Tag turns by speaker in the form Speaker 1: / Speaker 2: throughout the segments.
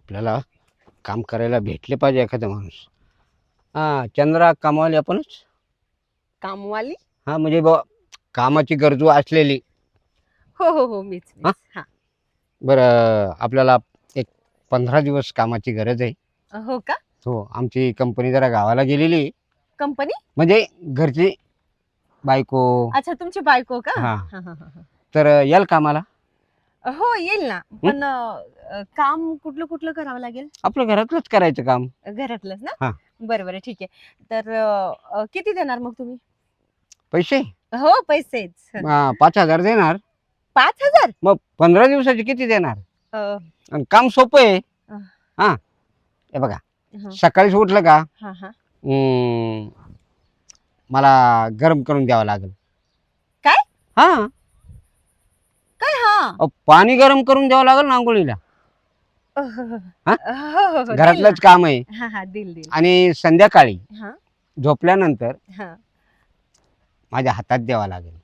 Speaker 1: आपल्याला काम करायला भेटले पाहिजे एखादा माणूस. हा, चंद्रा कामवाली आपणच.
Speaker 2: कामवाली?
Speaker 1: हा, म्हणजे कामाची गरजू असलेली.
Speaker 2: हो हो हो, मीच
Speaker 1: हा?
Speaker 2: हा.
Speaker 1: बरं, आपल्याला एक 15 दिवस कामाची गरज आहे.
Speaker 2: हो का?
Speaker 1: हो, आमची कंपनी जरा गावाला गेलेली आहे.
Speaker 2: कंपनी?
Speaker 1: म्हणजे घरची बायको.
Speaker 2: अच्छा, तुमची बायको का?
Speaker 1: हा.
Speaker 2: हा, हा, हा,
Speaker 1: तर याल कामाला?
Speaker 2: हा. हो, येईल ना. पण काम कुठलं कुठलं करावं लागेल?
Speaker 1: आपलं घरातलंच करायचं काम.
Speaker 2: घरातलंच ना?
Speaker 1: हा.
Speaker 2: बरं बरं, ठीक आहे. तर किती देणार मग तुम्ही?
Speaker 1: पैसे
Speaker 2: हो, पैसेच.
Speaker 1: 5,000 देणार.
Speaker 2: 5,000?
Speaker 1: मग 15 दिवसाचे किती देणार?
Speaker 2: अ,
Speaker 1: आणि काम सोपं आहे.
Speaker 2: अ.
Speaker 1: हा, हे बघा,
Speaker 2: हा
Speaker 1: सकाळीच उठलं का
Speaker 2: हा हा.
Speaker 1: मला गरम करून द्यावं लागेल.
Speaker 2: काय?
Speaker 1: हा,
Speaker 2: काय? हा.
Speaker 1: पाणी गरम करून द्यावं लागेल ना आंघोळीला.
Speaker 2: हो हो हो,
Speaker 1: हा?
Speaker 2: हो, हो, देईल
Speaker 1: घरातलंच
Speaker 2: ना.
Speaker 1: काम आहे.
Speaker 2: हा हा, देईल.
Speaker 1: आणि संध्याकाळी
Speaker 2: हा
Speaker 1: झोपल्यानंतर
Speaker 2: हा.
Speaker 1: माझ्या हातात द्यावा लागेल.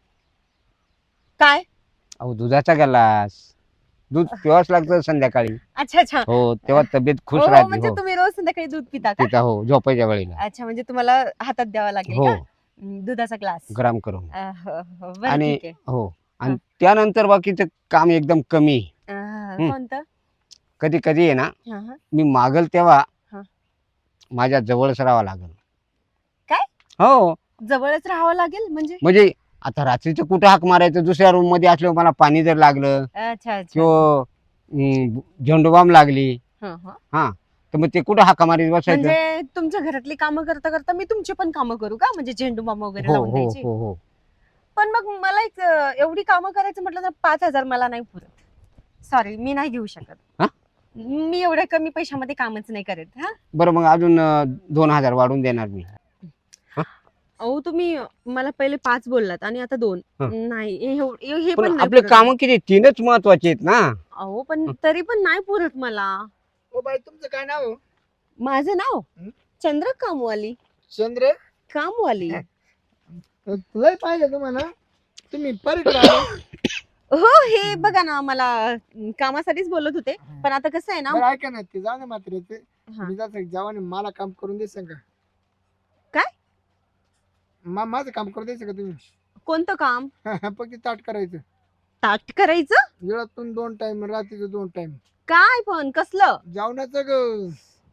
Speaker 2: काय?
Speaker 1: अहो, दुधाचा ग्लास. दूध पिवाच लागतं संध्याकाळी.
Speaker 2: अच्छा अच्छा.
Speaker 1: हो, तेव्हा तब्येत खुश
Speaker 2: हो,
Speaker 1: राहते.
Speaker 2: म्हणजे
Speaker 1: हो,
Speaker 2: तुम्ही रोज संध्याकाळी दूध पिता का?
Speaker 1: तिथं हो, झोपायच्या वेळेला.
Speaker 2: अच्छा, म्हणजे तुम्हाला हातात द्यावा लागेल
Speaker 1: हो,
Speaker 2: का दुधाचा ग्लास?
Speaker 1: गरम करून.
Speaker 2: हो हो, बरं,
Speaker 1: आणि
Speaker 2: ठीक आहे.
Speaker 1: हो, आणि त्यानंतर बाकीचं काम एकदम कमी.
Speaker 2: कोणतं?
Speaker 1: कधी कधी आहे ना,
Speaker 2: हा हा.
Speaker 1: मी मागल तेव्हा
Speaker 2: हा.
Speaker 1: माझ्या जवळच राहावं लागेल.
Speaker 2: काय?
Speaker 1: हो,
Speaker 2: जवळच राहावं लागेल म्हणजे?
Speaker 1: म्हणजे आता रात्रीचं कुठं हाक मारायचं, दुसऱ्या रूम मध्ये असल्यावर मला पाणी जर लागलं
Speaker 2: अच्छा अच्छा.
Speaker 1: किंवा झेंडूबाम लागली,
Speaker 2: हा हा.
Speaker 1: हा, तर मग ते कुठं हाका मारीत बसायचं.
Speaker 2: म्हणजे तुमच्या घरातली कामं करता करता मी तुमची पण कामं करू का? म्हणजे झेंडू बाम वगैरे
Speaker 1: हो
Speaker 2: लावून
Speaker 1: हो
Speaker 2: द्यायची?
Speaker 1: हो हो.
Speaker 2: पण मग मला एक एवढी कामं करायचं म्हटलं तर 5,000 मला नाही पुरत. सॉरी, मी नाही घेऊ शकत.
Speaker 1: हा?
Speaker 2: मी एवढ्या कमी पैशामध्ये कामच नाही करत. हा.
Speaker 1: बरं, मग अजून 2,000 वाढून देणार मी.
Speaker 2: अहो, तुम्ही मला पहिले 5 बोललात आणि आता 2.
Speaker 1: हं.
Speaker 2: नाही, हे
Speaker 1: पण
Speaker 2: पण नाही
Speaker 1: आपले
Speaker 2: पुरत.
Speaker 1: काम किती 3च महत्वाचे आहेत ना.
Speaker 2: अहो, पण तरी पण नाही पुरत मला.
Speaker 3: ओ बाई, तुमचं काय नाव आहे?
Speaker 2: माझं नाव
Speaker 3: हं?
Speaker 2: चंद्र कामवाली.
Speaker 3: चंद्र.
Speaker 2: कामवाली.
Speaker 3: लय पाहिजे तुम्हाला. तुम्ही परत आले.
Speaker 2: हो, हे बघा ना, मला कामासाठीच बोलत होते. पण आता कसं आहे ना.
Speaker 3: बरं, ऐका ना, ते जाऊ ना मात्र ते.
Speaker 2: हा.
Speaker 3: मी जात जेव्हा मला काम करून द्यायचं का?
Speaker 2: काय?
Speaker 3: माझं काम करून द्यायचं का तुम्ही?
Speaker 2: कोणतं काम?
Speaker 3: फक्त ताट करायचं.
Speaker 2: ताट करायचं?
Speaker 3: वेळातून 2 टाइम, रात्रीचं 2 टाइम.
Speaker 2: काय पण कसलं?
Speaker 3: जेवणाचं ग.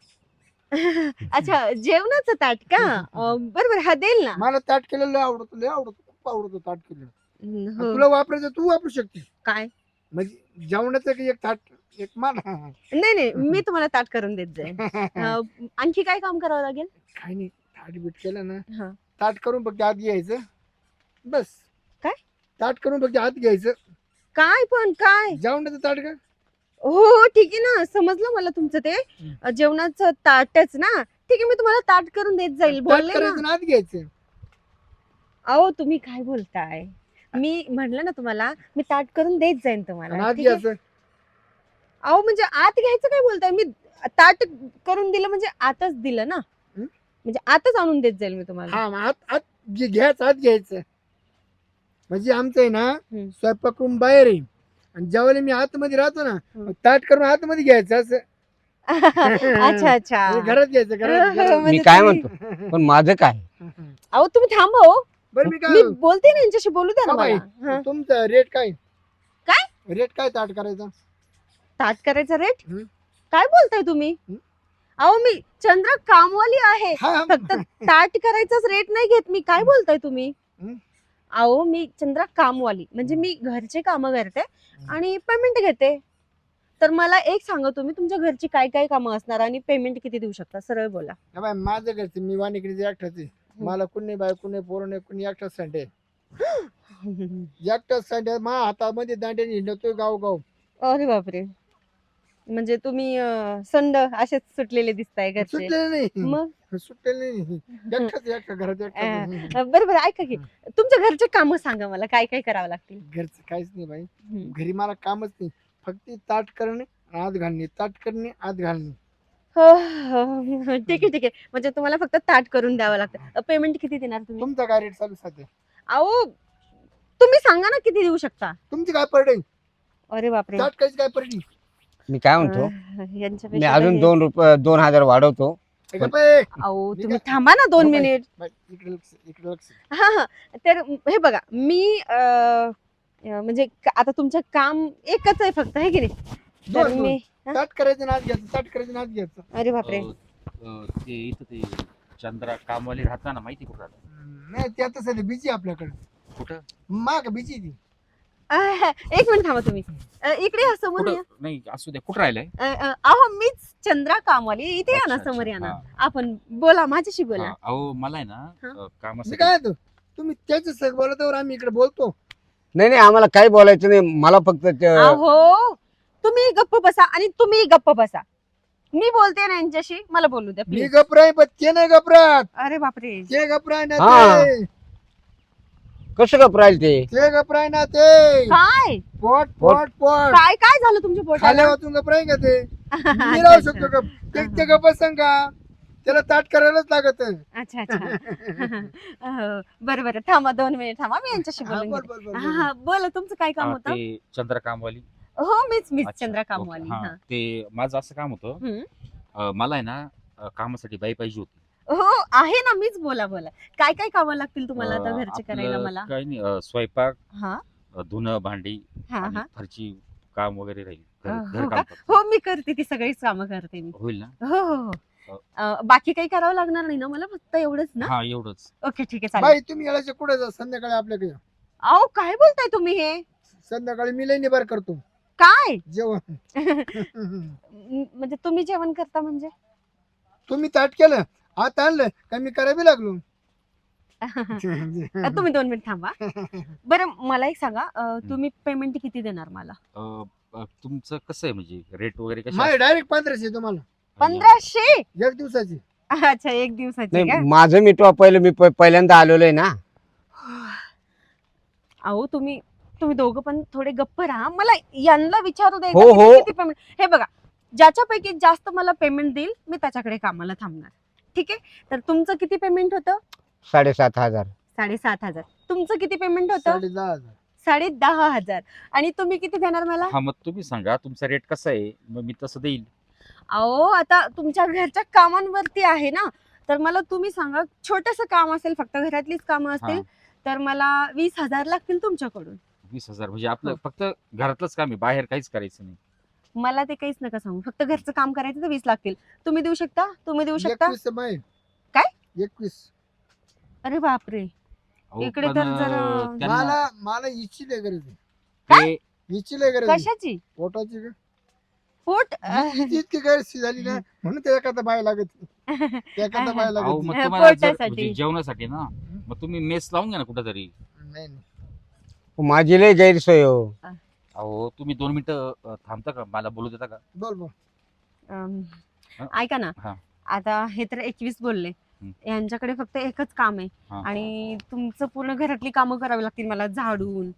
Speaker 2: अच्छा, जेवणाचं ताट का? बरोबर, हा देईल ना.
Speaker 3: मला ताट केलेलं लय आवडतं, खूप आवडतं ताट केलेलं.
Speaker 2: हो.
Speaker 3: तुला वापरायचं तू वापरू शकते.
Speaker 2: काय?
Speaker 3: म्हणजे जेवणाचं एक ताट एक मला.
Speaker 2: नाही नाही, मी तुम्हाला ताट करून देत जाईल. आणखी काय काम करावं लागेल?
Speaker 3: काय नाही, ताट बीट केलं ना,
Speaker 2: हा.
Speaker 3: ताट करून फक्त आत घ्यायचं बस.
Speaker 2: काय?
Speaker 3: ताट करून फक्त आत घ्यायचं.
Speaker 2: काय पण काय?
Speaker 3: जेवणाचं ताट का?
Speaker 2: हो हो, ठीक आहे ना, समजलं मला तुमचं ते जेवणाचं ताटच ना. ठीक आहे, मी तुम्हाला ताट करून देत जाईल,
Speaker 3: ताट
Speaker 2: बोलले ना.
Speaker 3: करायचं ना आत घ्यायचं.
Speaker 2: अहो, तुम्ही काय बोलताय? मी म्हटलं ना तुम्हाला, मी ताट करून देत जाईन
Speaker 3: आणि
Speaker 2: तुम्हाला.
Speaker 3: आत
Speaker 2: ठीक आहे?
Speaker 3: घ्यायचं.
Speaker 2: अहो, म्हणजे आत घ्यायचं काय बोलताय? मी ताट करून दिलं म्हणजे आतच दिलं ना.
Speaker 3: हं?
Speaker 2: म्हणजे आतच आणून देत जाईल मी तुम्हाला.
Speaker 3: हा, मग आत आत घ्यायचं, आत घ्यायचं. म्हणजे आमचं आहे ना, स्वयंपाक रूम बाहेर आहे आणि जेवायला मी आतमध्ये राहतो ना, मग ताट करून आतमध्ये घ्यायचं असं.
Speaker 2: अच्छा अच्छा.
Speaker 3: म्हणजे घरात घ्यायचं, घरात
Speaker 2: म्हणजे
Speaker 1: मी काय
Speaker 2: तुम्ही-
Speaker 1: म्हणतो, पण माझं काय?
Speaker 2: अहो, तुम्ही थांबा हो.
Speaker 3: बरं, मी
Speaker 2: मी
Speaker 3: काय
Speaker 2: बोलते ना, यांच्याशी बोलू द्या ना
Speaker 3: हा बाई,
Speaker 2: मला. हा.
Speaker 3: तुमचं रेट काय?
Speaker 2: काय?
Speaker 3: रेट काय ताट करायचा?
Speaker 2: ताट करायचा रेट?
Speaker 3: हं?
Speaker 2: काय बोलताय तुम्ही?
Speaker 3: हं?
Speaker 2: अहो, मी चंद्र कामवाली आहे.
Speaker 3: हा.
Speaker 2: फक्त ताट करायचाच रेट नाही घेत मी. काय बोलताय तुम्ही?
Speaker 3: हं?
Speaker 2: अहो, मी चंद्रा कामवाली म्हणजे मी घरचे कामं करते आणि पेमेंट घेते. तर मला एक सांगा, तुम्ही तुमच्या घरची काय काय कामं असणार आणि पेमेंट किती देऊ शकता? सरळ बोला.
Speaker 3: हा बाई, माझं घरचं मी वाणीकडे एकटाच आहे. मला कुणी बाय कुणी पोरं नाही, कुणी एकटाच संडे. एकटाच संडे मा हातामध्ये दांड्याने हिंडतोय गाव.
Speaker 2: अरे बापरे, म्हणजे तुम्ही संड असेच सुटलेले दिसताय घरचे.
Speaker 3: सुटलेलं नाही.
Speaker 2: मग
Speaker 3: सुटलेलं नाही. एकटा घरात एकटाच.
Speaker 2: बरोबर, ऐका की, तुमच्या घरचे कामं सांगा मला, काय काय करावं लागतील?
Speaker 3: घरचं काहीच नाही बाई. घरी मला कामच नाही, फक्त ताट करणे, आत घालणे, ताट करणे, आत घालणे.
Speaker 2: हो हो, ठीक आहे. म्हणजे तुम्हाला फक्त ताट करून द्यावं लागतं. पेमेंट किती देणार तुम्ही?
Speaker 3: तुमचा काय रेट चालू सध्या?
Speaker 2: अहो, तुम्ही सांगा ना किती देऊ शकता?
Speaker 3: तुमची काय पडे?
Speaker 2: अरे बापरे,
Speaker 3: ताट काहीच काय पडली?
Speaker 1: मी काय म्हणतो मी
Speaker 2: यांच्यापेक्षा
Speaker 1: अजून
Speaker 2: तर हे-
Speaker 1: 2,000 वाढवतो.
Speaker 3: हे गप्प आहे.
Speaker 2: अहो तुम्ही थांबा ना 2 मिनिट.
Speaker 3: बाई, इकडे लक्ष, इकडे लक्ष.
Speaker 2: हा हा तर हे बघा मी म्हणजे आता तुमचं काम एकच आहे फक्त आहे की नाही तर
Speaker 3: दोन.
Speaker 2: मी
Speaker 3: ताट करायचं नाच घ्यायचं, ताट करायचं नाच घ्यायचं.
Speaker 2: अरे बापरे
Speaker 4: ते इथं ते चंद्रा कामवाली राहता ना, माहिती कुठं राहता?
Speaker 3: नाही ते आता सध्या बिजी आपल्याकडे.
Speaker 4: कुठं
Speaker 3: माग बिजी ती.
Speaker 2: एक मिनिट थांबा तुम्ही इकडे या समोर
Speaker 4: कुठं
Speaker 2: या.
Speaker 4: नाही असू द्या, कुठं राहिलंय?
Speaker 2: अहो मीच चंद्रा कामवाली इथे या ना
Speaker 4: अच्छा,
Speaker 2: समोर
Speaker 4: अच्छा.
Speaker 2: या ना
Speaker 4: हा.
Speaker 2: आपण बोला माझ्याशी बोला
Speaker 4: हा, अहो मला आहे ना
Speaker 2: हा.
Speaker 3: मी
Speaker 4: कामासाठी
Speaker 3: काय म्हणतो, तुम्ही त्याच्या सग बोलतावर आम्ही इकडे बोलतो.
Speaker 1: नाही नाही आम्हाला काही बोलायचं नाही. मला फक्त
Speaker 2: अहो तुम्ही गप्प बसा आणि तुम्ही गप्प बसा. मी बोलते ना यांच्याशी मला बोलू द्या
Speaker 3: मी
Speaker 2: प्लीज.
Speaker 3: गपराय पण ते नाही गपरात.
Speaker 2: अरे बापरे
Speaker 3: ते गपराय ना
Speaker 1: हा.
Speaker 3: ते.
Speaker 1: कसं गप राहील ते.
Speaker 3: ते गपराय ना ते.
Speaker 2: काय
Speaker 3: पोट पोट पोट.
Speaker 2: काय काय झालं तुमच्या पोटाला
Speaker 3: खाल्या वाचून गपराय का ते. मी
Speaker 2: अच्छा,
Speaker 3: राहू
Speaker 2: अच्छा.
Speaker 3: शकतो गप. ते गप सांगा, त्याला ताट करायलाच लागत.
Speaker 2: अच्छा अच्छा बरं बरं थांबा 2 मिनिट थांबा मी यांच्याशी
Speaker 3: हा,
Speaker 2: बोलून
Speaker 3: बोल,
Speaker 2: घेते.
Speaker 3: बोल, बोल,
Speaker 2: हा
Speaker 3: बोल.
Speaker 2: हा बोला तुमचं काय काम
Speaker 4: हा,
Speaker 2: होतं.
Speaker 4: ते चंद्रा कामवाली.
Speaker 2: हो मीच
Speaker 4: अच्छा,
Speaker 2: चंद्रा
Speaker 4: ओके.
Speaker 2: कामवाली
Speaker 4: हा,
Speaker 2: हा.
Speaker 4: ते माझं असं काम होतं.
Speaker 2: हम्म.
Speaker 4: मला आहे ना कामासाठी बाई पाहिजे होती.
Speaker 2: हो आहे ना मीच बोला बोला काय काय कामं लागतील तुम्हाला आता घरचे
Speaker 4: आपलं
Speaker 2: करायला मला.
Speaker 4: काही नाही, स्वयंपाक,
Speaker 2: हा
Speaker 4: धुणं भांडी
Speaker 2: हा
Speaker 4: आणि
Speaker 2: हा
Speaker 4: फरची काम वगैरे राहील.
Speaker 2: हो
Speaker 4: घर
Speaker 2: का?
Speaker 4: काम फक्त.
Speaker 2: हो मी करते ती सगळीच कामं करते मी.
Speaker 4: होईल ना?
Speaker 2: हो हो हो बाकी काही करावं लागणार नाही ना मला फक्त एवढंच ना.
Speaker 4: हा, एवढंच.
Speaker 2: ओके ठीक आहे चालेल.
Speaker 3: बाई तुम्ही याला कुठे जा, संध्याकाळी आपल्याकडे या.
Speaker 2: अहो काय बोलताय तुम्ही हे
Speaker 3: संध्याकाळी मी लई निबार करतो
Speaker 2: काय
Speaker 3: जेवण.
Speaker 2: म्हणजे तुम्ही जेवण करता म्हणजे
Speaker 3: तुम्ही ताट केलं, हात आणलं का मी करावी लागलो.
Speaker 2: तुम्ही 2 मिनिट थांबा. बरं मला एक सांगा तुम्ही पेमेंट किती देणार मला.
Speaker 4: तुमचं कसं आहे म्हणजे रेट वगैरे कसं
Speaker 3: माझे डायरेक्ट 1500 तुम्हाला
Speaker 2: 1500
Speaker 3: एक दिवसाची.
Speaker 2: अच्छा एक दिवसाची का.
Speaker 1: नाही माझं मिटवा पहिलं. मी पहिल्यांदा आलेलो आहे ना.
Speaker 2: अहो तुम्ही दोघं पण थोडे गप्प राहा. मला यांना विचारू दे
Speaker 1: हो,
Speaker 2: एकदा
Speaker 1: हो.
Speaker 2: किती पेमेंट. हे बघा ज्याच्यापैकी जास्त मला पेमेंट देईल मी त्याच्याकडे कामाला थांबणार. ठीक आहे तर तुमचं किती पेमेंट होतं.
Speaker 1: 7,500.
Speaker 2: 7,500. तुमचं किती पेमेंट होतं.
Speaker 3: 10,500.
Speaker 2: 10,500. आणि तुम्ही किती देणार मला.
Speaker 4: हा, मग तुम्ही सांगा तुमचा रेट कसा आहे, मग मी तसं देईल.
Speaker 2: अहो आता तुमच्या घरच्या कामांवरती आहे ना तर मला तुम्ही सांगा छोटस काम असेल फक्त घरातलीच कामं असतील
Speaker 4: हा.
Speaker 2: तर मला 20,000 लागतील तुमच्याकडून.
Speaker 4: 20,000 म्हणजे आपलं
Speaker 2: हो.
Speaker 4: फक्त घरातलंच काम आहे, बाहेर काहीच करायचं नाही.
Speaker 2: मला ते काहीच नका सांगू फक्त घरचं काम करायचं तर 20 लागतील. तुम्ही देऊ शकता. तुम्ही देऊ शकता.
Speaker 3: 21 बाई.
Speaker 2: काय?
Speaker 3: 21.
Speaker 2: अरे बापरे
Speaker 4: अहो,
Speaker 2: इकडे
Speaker 4: पण,
Speaker 2: तर जरा-
Speaker 3: मला मला हिची लय गरज आहे.
Speaker 4: ते
Speaker 3: हिची लय गरज आहे.
Speaker 2: कशाची
Speaker 3: पोटाची का?
Speaker 2: पोट
Speaker 3: हिची इतकी गरज झाली ना म्हणून त्या एखादा बाय लागत. त्या एखादा बाय
Speaker 4: अहो,
Speaker 3: लागत.
Speaker 4: मग
Speaker 2: हा,
Speaker 4: तुम्हाला जर
Speaker 2: पोटासाठी.
Speaker 4: म्हणजे जेवणासाठी ना, मग तुम्ही मेस लावून घ्या ना कुठेतरी.
Speaker 3: नाही नाही.
Speaker 1: माझी लय गैरसोय हो.
Speaker 4: अहो तुम्ही 2 मिनिटं थांबता का, मला बोलू देता का?
Speaker 3: बोल बोल.
Speaker 2: अम,
Speaker 4: हा.
Speaker 2: ऐका ना
Speaker 4: हा.
Speaker 2: आता हे तर 21 बोलले.
Speaker 4: हम्म.
Speaker 2: यांच्याकडे फक्त एकच काम आहे
Speaker 4: हा.
Speaker 2: आणि तुमचं पूर्ण घरातली कामं करावी लागतील मला. झाडून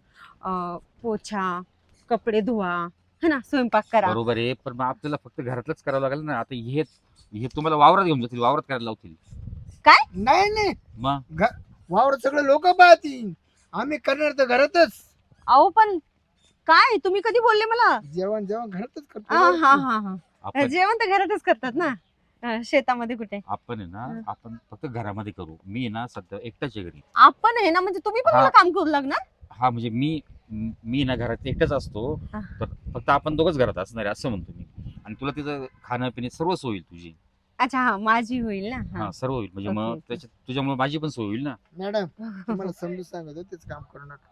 Speaker 2: पोछा कपडे धुवा है ना स्वयंपाक करा.
Speaker 4: बरोबर आहे, पण मग आपल्याला फक्त घरातलंच करावं लागेल ना. आता हे तुम्हाला वावरात घेऊन जातील, वावरात करायला लावतील.
Speaker 3: नाही नाही
Speaker 4: मग
Speaker 3: वावर सगळे लोक पाहतील. आम्ही करणार तर घरातच.
Speaker 2: अहो पण काय तुम्ही कधी बोलले मला.
Speaker 3: जेवण जेवण घरातच
Speaker 2: हा
Speaker 3: करतो.
Speaker 2: हा हा हा
Speaker 4: आपण
Speaker 2: जेवण तर घरातच करतात ना. शेतामध्ये कुठे.
Speaker 4: आपण आहे ना, आपण फक्त घरामध्ये करू. मी आहे ना सध्या एकटाच आहे घरी.
Speaker 2: आपण आहे ना म्हणजे तुम्ही पण
Speaker 4: हा.
Speaker 2: मला काम करू लागणार.
Speaker 4: हा म्हणजे मी ना घरात एकटाच असतो,
Speaker 2: हा.
Speaker 4: तर फक्त आपण दोघंच घरात असणार आहे असं म्हणतो मी. आणि तुला तिचं खाणं पिणे सर्व सोय होईल तुझी.
Speaker 2: अच्छा हा माझी होईल ना. हा.
Speaker 4: हा, सर्व होईल म्हणजे
Speaker 2: ओके,
Speaker 4: मग
Speaker 2: ओके.
Speaker 4: त्याच्यात तुझ्यामुळे माझी पण सोय होईल ना.
Speaker 3: मॅडम तुम्हाला समजून सांगतो तेच काम करू नका.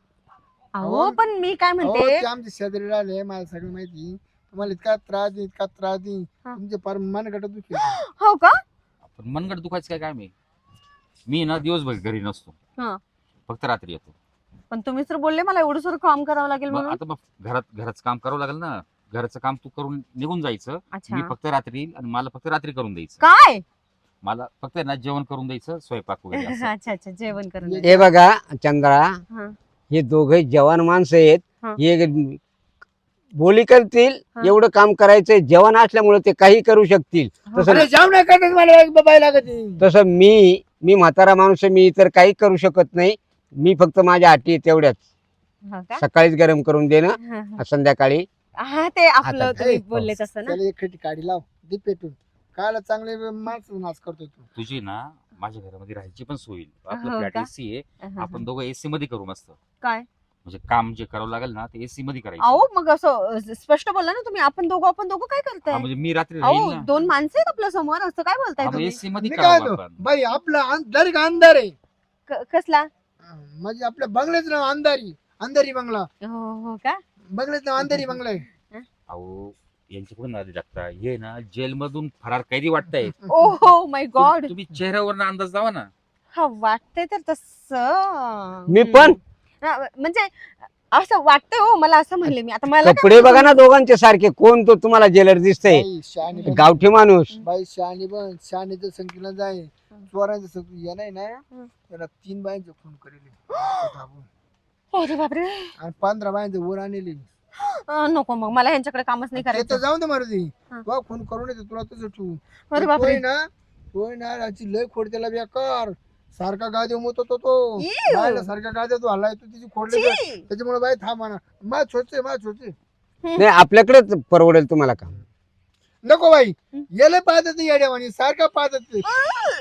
Speaker 2: अहो पण मी काय
Speaker 3: अहो,
Speaker 2: म्हणते
Speaker 3: ते आमचे शेजारी राहिले मला सगळं माहिती. तुम्हाला इतका त्रास देईन इतका त्रास देईन
Speaker 2: हा.
Speaker 3: तुमचे फार मनगट दुखी.
Speaker 2: हो का.
Speaker 4: पण मनगट दुखायचं काय काम आहे. मी ना दिवसभर घरी नसतो,
Speaker 2: हा.
Speaker 4: फक्त रात्री येतो.
Speaker 2: पण तुम्ही तर बोलले मला एवढं सर काम करावं लागेल
Speaker 4: मग
Speaker 2: म्हणून.
Speaker 4: आता मग घराचं काम करावं लागेल ना. घरचं काम तू करून निघून जायचं. मी
Speaker 2: अच्छा
Speaker 4: फक्त रात्री येईल आणि मला फक्त रात्री करून द्यायचं.
Speaker 2: काय.
Speaker 4: मला फक्त आहे ना जेवण करून द्यायचं, स्वयंपाक वगैरे असं.
Speaker 2: अच्छा अच्छा जेवण करून
Speaker 3: ये-
Speaker 2: द्या.
Speaker 1: हे बघा चंद्रा,
Speaker 2: हा.
Speaker 1: हे दोघे जवान माणसं आहेत.
Speaker 2: हा.
Speaker 1: हे बोली करतील
Speaker 2: हा.
Speaker 1: एवढं काम करायचंय. जवान असल्यामुळे ते काही करू शकतील.
Speaker 2: हो
Speaker 1: तसं
Speaker 2: का?
Speaker 3: अरे जाऊ नका मला एक बाय लागत.
Speaker 1: तसं मी म्हातारा माणूस आहे. मी इतर काही करू शकत नाही. मी फक्त माझ्या अटी तेवढ्याच.
Speaker 2: हो का?
Speaker 1: सकाळीच गरम करून देणं,
Speaker 2: हा, हा.
Speaker 1: संध्याकाळी
Speaker 2: हा ते आपलं
Speaker 1: आता-
Speaker 2: तुम्ही
Speaker 3: ए,
Speaker 2: बोलले तसं ना.
Speaker 3: त्याला एक खटी काढी लाव दे पेटून कायला चांगले माणसं नाच करतोय तू.
Speaker 4: तुझी ना माझ्या घरामध्ये राहायची पण सोय होईल.
Speaker 2: हो
Speaker 4: आपलं फ्लॅट
Speaker 2: का?
Speaker 4: एसी आहे,
Speaker 2: हा,
Speaker 4: आपण
Speaker 2: हा.
Speaker 4: दोघं एसी मध्ये करू मस्त.
Speaker 2: काय
Speaker 4: म्हणजे काम जे करावं लागेल ना ते एसी मध्ये करायचं.
Speaker 2: अहो मग असं स्पष्ट बोला ना तुम्ही. आपण दोघं काय
Speaker 4: हा,
Speaker 2: करताय?
Speaker 4: म्हणजे मी रात्री राहील
Speaker 2: अहो
Speaker 4: ना.
Speaker 2: 2 माणसं आहेत आपल्या समोर, असं काय बोलताय तुम्ही?
Speaker 4: एसी मध्ये
Speaker 3: मी काय
Speaker 4: करावं
Speaker 3: तो
Speaker 4: आपण.
Speaker 3: बाई आपला डायरेक्ट अंधार आहे
Speaker 2: कसला?
Speaker 3: म्हणजे आपल्या बंगल्याचं नाव अंधारी बंगला.
Speaker 2: हो का?
Speaker 3: बंगल्याचं नाव अंधारी बंगला आहे.
Speaker 4: अहो यांच्याकडून आधी टाकता हे ना जेल मधून फरार कैदी वाटताय.
Speaker 2: Oh my God.
Speaker 4: तुम्ही चेहऱ्यावर अंदाज लावा ना.
Speaker 2: हा वाटतंय तर तसं.
Speaker 1: मी पण?
Speaker 2: म्हणजे असं वाटतंय हो मला, असं म्हणले मी. आता मला काय
Speaker 1: कपडे बघा ना दोघांचे सारखे. कोण तो तुम्हाला जेलर दिसतंय?
Speaker 3: बाई शहाणी बन.
Speaker 1: गावठी माणूस.
Speaker 3: बाई शहाणी बन शहाणीचं संख्येला जाय चोरांचं संख्या या नाही ना त्याला 3 बायांचे खून करेल
Speaker 2: अरे बापरे.
Speaker 3: आणि 15 बायांचे वर आणले.
Speaker 2: नको मग मला ह्यांच्याकडे कामच नाही
Speaker 3: ते तर
Speaker 2: करायचं.
Speaker 3: जाऊ दे मारुती
Speaker 2: हा.
Speaker 3: तो खून करून येते तुला तुझं ठेवू.
Speaker 2: अरे बापरे.
Speaker 3: तोय ना याची लय खोड त्याला बेकार सारखा गादी मोत होतो तो
Speaker 2: Ew.
Speaker 3: बायला सारखा गाद्या तू हल्लाय तू तिची खोडली
Speaker 2: छी.
Speaker 3: त्याच्यामुळे बाई थांबा ना मा छोचे
Speaker 1: नाही आपल्याकडेच परवडेल तुम्हाला काम.
Speaker 3: नको बाई येले पाहतात नाही येड्यावानी सारखा पाहतात ते.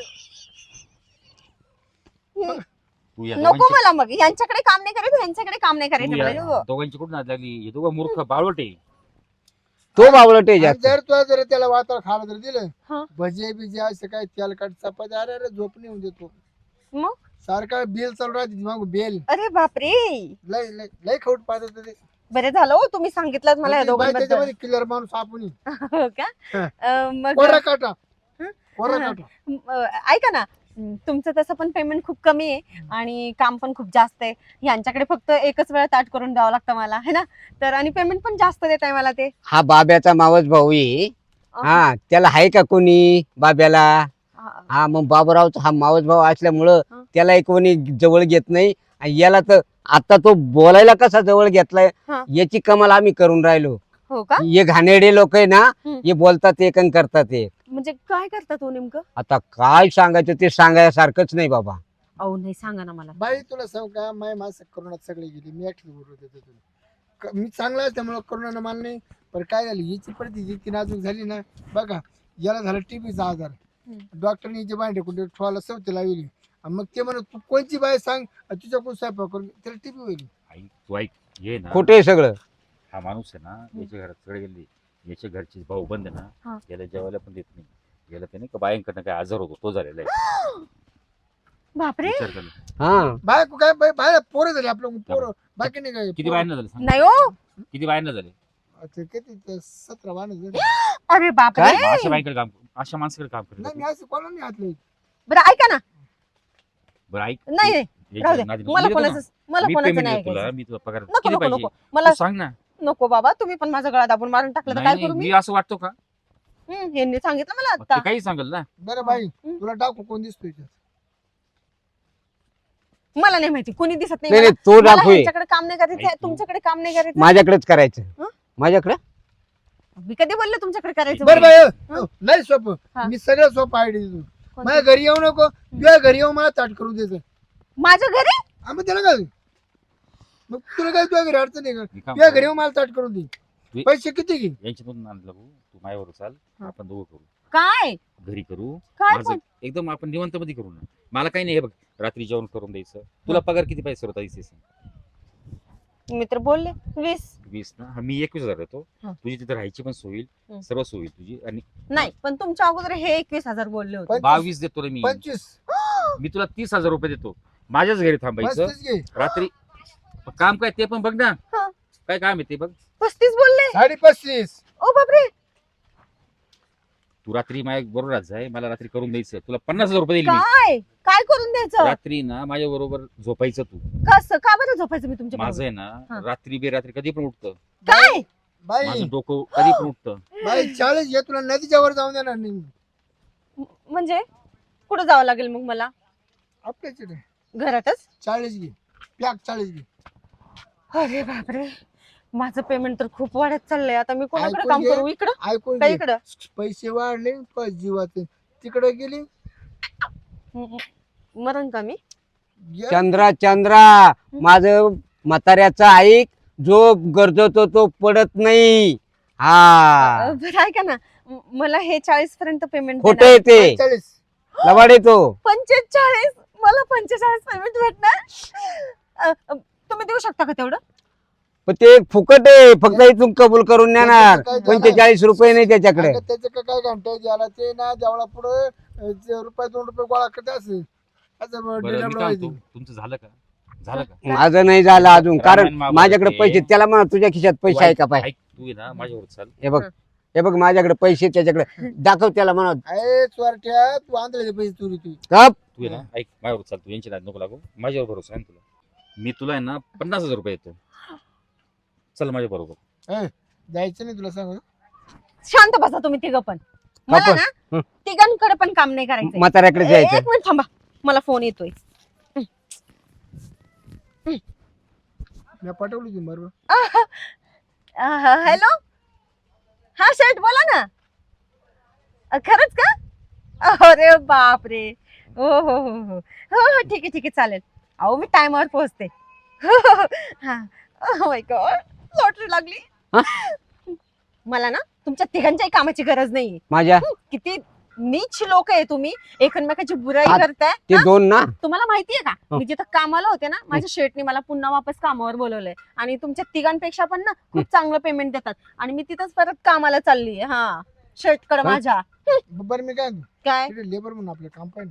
Speaker 4: तू या
Speaker 2: नको
Speaker 4: दोघांची-
Speaker 2: मला मग. यांच्याकडे काम नाही करायचं, यांच्याकडे काम नाही
Speaker 4: तू
Speaker 2: करायचं
Speaker 4: या
Speaker 2: मला.
Speaker 4: दोघांची कुठून नाद लागली? हे दोघं मूर्ख बावळट आहे.
Speaker 1: तो बावळट आहे
Speaker 3: आणि
Speaker 1: जास्त.
Speaker 3: जर तू जर त्याला वातावरण खायला जर
Speaker 2: हा.
Speaker 3: दिलं भजे बिजे असं काय तेलकट चपाती अरे अरे झोप नाही होऊन देतो
Speaker 2: मग
Speaker 3: सारखा बेल चालू राहते मग बेल
Speaker 2: अरे बापरे.
Speaker 3: लय लय लय खवट पाहतात ते.
Speaker 2: बरे झालं हो तुम्ही सांगितलं मला या
Speaker 3: मग ते बाई
Speaker 2: दोघांबद्दल.
Speaker 3: त्याच्यामध्ये किल्लर माणूस आपण
Speaker 2: हो का?
Speaker 3: हा.
Speaker 2: मग
Speaker 3: कोरा काटा
Speaker 2: हं?
Speaker 3: कोरा
Speaker 2: हा.
Speaker 3: काटा
Speaker 2: ऐका ना, तुमचं तसं पण पेमेंट खूप कमी आहे आणि काम पण खूप जास्त आहे. यांच्याकडे फक्त एकच वेळा ताट करून द्यावं लागतं मला, है ना? तर आणि पेमेंट पण जास्त देत आहे मला ते.
Speaker 1: हा बाब्याचा मावस भाऊ आहे. हा त्याला आहे का कोणी बाब्याला?
Speaker 2: हा.
Speaker 1: हा मग बाबूरावचा हा मावस भाऊ असल्यामुळं
Speaker 2: हा.
Speaker 1: त्याला कोणी जवळ घेत नाही. आणि याला तर आता तो बोलायला कसा जवळ घेतलाय
Speaker 2: हा.
Speaker 1: याची कमाल आम्ही करून राहिलो.
Speaker 2: हो का?
Speaker 1: हे घाणेरडे लोक आहे ना
Speaker 2: हम्म.
Speaker 1: हे बोलतात एक आणि करतात एक.
Speaker 2: म्हणजे काय करतात हो नेमकं?
Speaker 1: आता काय सांगायचं ते सांगायसारखंच नाही बाबा.
Speaker 2: अहो नाही, सांगा ना मला.
Speaker 3: बाई तुला सांग का माय माणसं करोनात सगळे गेली मी एकटी बरोबर देतो तुला मी चांगला आहे त्यामुळे करोना मान नाही पण काय झालं हिची परिस्थिती इतकी नाजूक झाली ना बघा याला झालं टीबीचा आजार डॉक्टरने हिची बाय ढकून ठेवायला सवती लावली आणि मग ते म्हणत तू कोणची बाय सांग तुझ्याकडून स्वयंपाक करून त्याला टीबी होईल.
Speaker 4: तू ऐक ये ना.
Speaker 1: खोटे सगळं.
Speaker 4: हा माणूस आहे ना याच्या घरात सगळे गेले. याच्या घरचे भाऊ बंद आहे
Speaker 2: हा.
Speaker 4: ना याला जेवायला पण देत नाही. याला ते नाही का बायांकडनं काय आजार होतो तो झालेला आहे.
Speaker 2: बापरे.
Speaker 4: विचार कर.
Speaker 1: हा
Speaker 3: बायको काय बाय पोरं झाली आपलं पोरं बाकी नाही काय
Speaker 4: किती बायांना झाले सांग?
Speaker 2: नाही हो.
Speaker 4: किती बायांना झाले?
Speaker 3: ते किती ते 17 वाण झाले.
Speaker 2: अरे बापरे.
Speaker 4: मग अशा बाईकडे काम अशा माणसाकडे काम
Speaker 3: नाही मी
Speaker 4: करत.
Speaker 3: असं कोणाला नाही हातलं
Speaker 2: बरं ऐका ना.
Speaker 4: बरं ऐक.
Speaker 2: नाही नाही,
Speaker 4: याच्या
Speaker 2: राहू दे.
Speaker 4: नादी-
Speaker 2: मला
Speaker 4: मी देतो ना.
Speaker 2: कोणाचं
Speaker 4: मी
Speaker 2: कोणाचं
Speaker 4: पेमेंट
Speaker 2: नाही
Speaker 4: देतो तुला.
Speaker 2: ऐकायचं.
Speaker 4: मी तुला पगार
Speaker 2: नको
Speaker 4: किती
Speaker 2: नको
Speaker 4: पाहिजे
Speaker 2: नको मला
Speaker 4: तू सांग ना.
Speaker 2: नको बाबा. तुम्ही पण माझा गळा दाबून मारून टाकलं तर काय
Speaker 4: नाही
Speaker 2: करू
Speaker 4: नाही,
Speaker 2: मी?
Speaker 4: मी असं वाटतो का?
Speaker 2: यांनी सांगितलं मला
Speaker 4: मग ते
Speaker 2: आता.
Speaker 4: काही सांगेल ना.
Speaker 3: बरं बाई तुला टाकू कोण दिसतोय त्यात?
Speaker 2: मला नाही माहिती, कोणी दिसत नाही
Speaker 1: नाही
Speaker 2: मला.
Speaker 1: नाही, तो
Speaker 2: मला
Speaker 1: डाकू आहे.
Speaker 2: यांच्याकडे काम नाही करायचं,
Speaker 4: ऐक तू.
Speaker 2: तुमच्याकडे काम नाही करायचं.
Speaker 1: माझ्याकडेच करायचं.
Speaker 2: हं?
Speaker 1: माझ्याकडे
Speaker 2: मी कधी बोलले तुमच्याकडे करायचं?
Speaker 3: बरं
Speaker 2: म्हणून?
Speaker 3: बाई नाही सोपं
Speaker 2: हा.
Speaker 3: मी सगळं सोपं आयडी देतो
Speaker 2: कोणतं?
Speaker 3: माझ्या घरी येऊ नको तुझ्या घरी येऊ मला ताट करून द्यायचं
Speaker 2: माझ्या घरी?
Speaker 3: आम्ही त्याला काय मग तुला काय तुझ्या घरी अडचण आहे का
Speaker 4: मी काम
Speaker 3: तुझ्या
Speaker 4: करू.
Speaker 3: घरी येऊ मला ताट करून दे
Speaker 4: वे-
Speaker 3: पैसे किती घे
Speaker 4: यांच्यातून आणलं भाऊ. तू माझ्यावर चाल.
Speaker 2: हा.
Speaker 4: आपण दोघं करू.
Speaker 2: काय
Speaker 4: घरी करू.
Speaker 2: काय
Speaker 4: माझं
Speaker 2: पण?
Speaker 4: एकदम आपण निवांत मध्ये करू ना. मला काही नाही. हे बघ रात्री जेवण करून द्यायचं. तुला पगार किती पैसे होता इथे सांग?
Speaker 2: मी तर बोलले 20.
Speaker 4: 20 ना. हा, मी 21,000 देतो.
Speaker 2: हा.
Speaker 4: तुझी तिथे राहायची पण सोय
Speaker 2: हं.
Speaker 4: होईल. सर्व सोय होईल तुझी. आणि
Speaker 2: नाही पण तुमच्या अगोदर हे 21,000 बोलले होते.
Speaker 4: 22 देतो रे मी.
Speaker 3: 25
Speaker 4: मी तुला 30,000 रुपये देतो. माझ्याच घरी थांबायचं
Speaker 3: 35 घे
Speaker 4: रात्री. काम काय ते पण बघ ना.
Speaker 2: हा.
Speaker 4: काय काम आहे ते बघ.
Speaker 2: 35 बोलले.
Speaker 3: 35
Speaker 2: ओ बापरे.
Speaker 4: तू रात्री माझ्या बरोबर राहत जाय. मला रात्री करून द्यायचं. तुला 50,000 रुपये देईल मी.
Speaker 2: काय काय करून द्यायचं?
Speaker 4: रात्री ना माझ्या बरोबर झोपायचं तू.
Speaker 2: कसं का बरं झोपायचं मी तुमच्या
Speaker 4: माझं
Speaker 2: बरोबर?
Speaker 4: आहे
Speaker 2: हा.
Speaker 4: ना रात्री बेरात्री कधी पण उठतं.
Speaker 2: काय
Speaker 3: बाई
Speaker 4: माझं डोकं कधी पण उठतं.
Speaker 3: बाई 40 घे तुला नदीच्या वर जाऊन देणार नाही
Speaker 2: म्हणजे कुठं जावं लागेल मग मला?
Speaker 3: आपल्याकडे
Speaker 2: घरातच?
Speaker 3: 40 घे पॅक 40 घे
Speaker 2: अरे बापरे. माझं पेमेंट तर खूप वाढत चाललंय. आता मी कोणाकडे
Speaker 3: ऐकून
Speaker 2: काम
Speaker 3: घे.
Speaker 2: करू? इकडं
Speaker 3: ऐकून
Speaker 2: का
Speaker 3: घे
Speaker 2: इकडं?
Speaker 3: पैसे वाढले पण जीवाचे तिकडे गेली
Speaker 2: मरण का मी?
Speaker 3: गे-
Speaker 1: चंद्रा चंद्रा माझं म्हाताऱ्याचं ऐक. जो गरजतो तो पडत नाही. हा
Speaker 2: बरं ऐका ना, मला हे 40 पर्यंत पेमेंट
Speaker 1: खोट येते
Speaker 3: 40.
Speaker 1: लबाड येतो.
Speaker 2: 45 मला 45 पेमेंट भेटणार. तुम्ही देऊ शकता का तेवढं?
Speaker 1: पण ते फुकट आहे, फक्त इथून कबूल करून नेणार.
Speaker 3: त्याचं काय झालं?
Speaker 1: 45 रुपये नाही त्याच्याकडे.
Speaker 3: अगं त्याचं काय घंटा ज्याला ते ना जेवढा पुढे रुपये 2 रुपये गोळा करते असं असं
Speaker 4: बरं, मी
Speaker 3: डिलेवरी
Speaker 4: काय
Speaker 3: व्हायची.
Speaker 4: म्हणतो, तुमचं झालं का? झालं का?
Speaker 1: माझं नाही झालं अजून, कारण
Speaker 4: रामायण महाभारत
Speaker 1: माझ्याकडे
Speaker 4: आहे.
Speaker 1: पैसे. त्याला म्हणा तुझ्या खिशात पैसे आहे का पाय.
Speaker 4: ऐक, तू आहे ना माझ्यावर चाल.
Speaker 1: हे बघ माझ्याकडे पैसे, त्याच्याकडे दाखव. त्याला म्हणा
Speaker 3: अरे चोरट्या तू आंधळे पैसे चोरी तू
Speaker 1: गप.
Speaker 4: तू आहे ना ऐक, माझ्यावर चाल. तू यांची नाद नको लागू. माझ्यावर भरोसा आहे ना तुला. मी तुला आहे ना 50,000 रुपये येतो. चल माझ्या बरोबर.
Speaker 3: जायचं नाही तुला सांग.
Speaker 2: शांत बसा तुम्ही तिघं पण. मला
Speaker 1: पण?
Speaker 2: ना तिघांकडे पण काम नाही करायचं.
Speaker 1: म्हाताऱ्याकडे जायचं.
Speaker 2: एक मिनिट थांबा, मला फोन येतोय.
Speaker 3: मी पाठवली ती बरोबर.
Speaker 2: हॅलो, हा शेठ बोला ना. खरंच का? अरे बापरे. हो हो हो हो हो हो ठीक आहे ठीक आहे चालेल. अहो मी टायमावर पोहोचते. हा माय गॉड, लॉटरी लागली.
Speaker 1: हा?
Speaker 2: मला ना तुमच्या तिघांच्याही कामाची गरज नाहीये.
Speaker 1: माझ्या
Speaker 2: किती नीच लोक आहे तुम्ही, एकमेकाची बुराई
Speaker 1: हा,
Speaker 2: करताय.
Speaker 1: ते दोन ना.
Speaker 2: तुम्हाला माहितीये का,
Speaker 1: हं.
Speaker 2: मी जिथं कामाला होते ना, माझ्या शेठने मला पुन्हा वापस कामावर बोलवलंय. आणि तुमच्या तिघांपेक्षा पण ना खूप चांगलं पेमेंट देतात. आणि मी तिथंच परत कामाला चालली. हा शेठकडे
Speaker 1: हा?
Speaker 2: माझ्या.
Speaker 3: बरं मी काय
Speaker 2: काय
Speaker 3: लेबर म्हणून आपलं काम पाहिजे.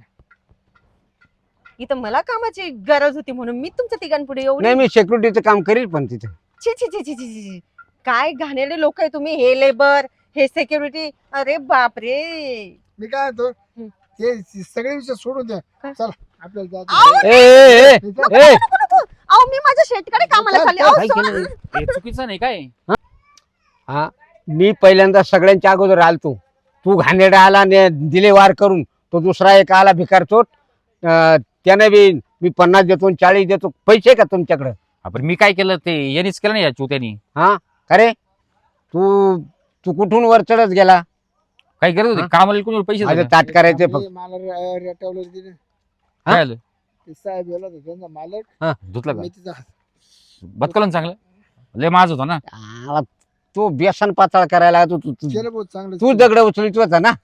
Speaker 2: इथं मला कामाची गरज होती म्हणून मी तुमच्या तिघांपुढे एवढी.
Speaker 1: नाही, मी सिक्युरिटीचं काम करील पण तिथे.
Speaker 2: छी छी छी छी छी छी. काय घाणेरडे लोक आहे तुम्ही. हे लेबर, हे सिक्युरिटी. अरे बापरे.
Speaker 3: मी काय होतो
Speaker 2: हं.
Speaker 3: ते सगळे विषय सोडून द्या.
Speaker 2: काय?
Speaker 3: चल आपल्याला
Speaker 2: आऊ,
Speaker 3: जायचं.
Speaker 1: ए, ए, ए,
Speaker 3: नको,
Speaker 1: ए.
Speaker 2: नको, नको. अहो मी माझ्या शेठकडे कामाला चालली. अहो,
Speaker 1: काय
Speaker 2: सोडा.
Speaker 1: केलं?
Speaker 4: हे चुकीचं नाही काय?
Speaker 1: हा, मी पहिल्यांदा सगळ्यांच्या अगोदर आलतो. तू घाणेरडा आला ने दिले वार करून. तो दुसरा एक आला भिकार चोट. त्याने बी मी 50 देतो 40 देतो. पैसे का तुमच्याकडे?
Speaker 4: आपण मी काय केलं ते यांनीच केलं नाही या चुत्यानी.
Speaker 1: अरे तू तू कुठून वर चढत गेला?
Speaker 4: काय करत होते?
Speaker 1: हा?
Speaker 4: कामाला कोणी पैसे
Speaker 1: माझं
Speaker 4: दिले?
Speaker 1: ताट करायचे फक्त.
Speaker 3: मला रेटवलं तिने
Speaker 4: काय आलं?
Speaker 3: ते साहेब गेला होता त्यांचा मालक.
Speaker 4: धुतलं का?
Speaker 3: मी तिचा
Speaker 4: बदकलं चांगलं. लय माझ होता ना.
Speaker 1: आला, तो व्यसन पातळ करायला तू तू तू-
Speaker 3: केलं बहुत चांगलं.
Speaker 1: तू दगड उचलीत होता ना.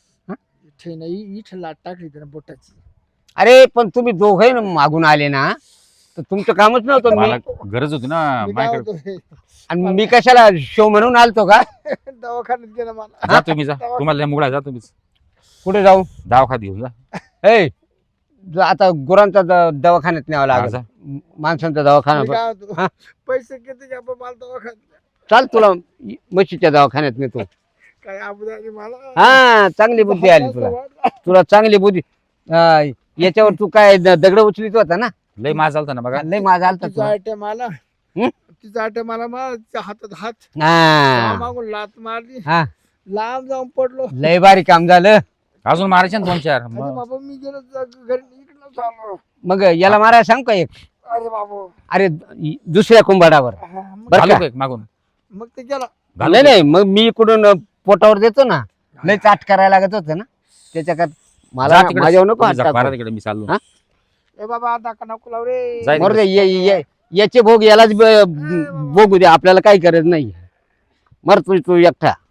Speaker 3: इथं लाट टाकली त्यानं बोटाची.
Speaker 1: अरे पण तुम्ही दोघे मागून आले ना, तर तुमचं कामच नव्हतं.
Speaker 4: मला
Speaker 1: मी
Speaker 4: गरज होती ना
Speaker 3: मी काय
Speaker 4: माझ्याकडे.
Speaker 3: होतो
Speaker 1: आणि मी कशाला शो म्हणून आलतो का?
Speaker 3: दवाखान्यात गेला मला.
Speaker 4: जा तुम्ही जा. तुम्हाला लय मुगडा जा तुम्हीच.
Speaker 1: कुठे जाऊ?
Speaker 4: दवाखान्यात घेऊन जा.
Speaker 1: ए आता गुरांचा दवाखान्यात न्यावं
Speaker 4: हा,
Speaker 1: लागेल.
Speaker 4: जा.
Speaker 1: माणसांचा
Speaker 3: मी
Speaker 1: दवाखाना.
Speaker 3: काय होतो
Speaker 1: हा?
Speaker 3: पैसे किती घ्या मला दवाखान्यात.
Speaker 1: चाल तुला म्हशीच्या दवाखान्यात नेतो.
Speaker 3: काय अबुदाबी मला.
Speaker 1: हा, चांगली बुद्धी आली तुला. तुला चांगली बुद्धी. याच्यावर तू काय दगड उचलीत होता ना.
Speaker 4: लय माझ चालता ना बघा.
Speaker 1: लय माझा आलता
Speaker 3: तिचा
Speaker 1: तुला.
Speaker 3: आटे मला
Speaker 1: हं?
Speaker 3: तिचा आटे मला माझ्या हातात हात
Speaker 1: हा
Speaker 3: मागून लात मारली.
Speaker 1: हा,
Speaker 3: लांब जाऊन पडलो.
Speaker 1: लय भारी काम झालं.
Speaker 4: अजून मारायचे ना 2-4.
Speaker 3: अरे बाबा मी गेलो घरी इकडं चाललो.
Speaker 1: मग याला मारायला सांग का एक?
Speaker 3: अरे बाबा
Speaker 1: अरे दुसऱ्या कुंभाडावर.
Speaker 3: हा, मग-
Speaker 1: बरं
Speaker 4: घालू
Speaker 1: का?
Speaker 4: का एक मागून?
Speaker 3: मग ते गेला.
Speaker 4: घालू
Speaker 1: नाही
Speaker 4: का?
Speaker 1: नाही, मग मी इकडून पोटावर देतो ना. लय चाट करायला लागत होतं ना त्याच्यात. मला
Speaker 4: जा तिकडे.
Speaker 1: माझ्यावर नको
Speaker 4: तुम्ही जा,
Speaker 1: हात
Speaker 4: मारा
Speaker 1: टाकू.
Speaker 4: तिकडे मी चाललो.
Speaker 1: हा?
Speaker 3: ए बाबा आता का नको लाव रे.
Speaker 4: जाय
Speaker 1: मरू दे, याचे भोग यालाच भोगू दे. आपल्याला काही गरज नाही. मर तू एकटा.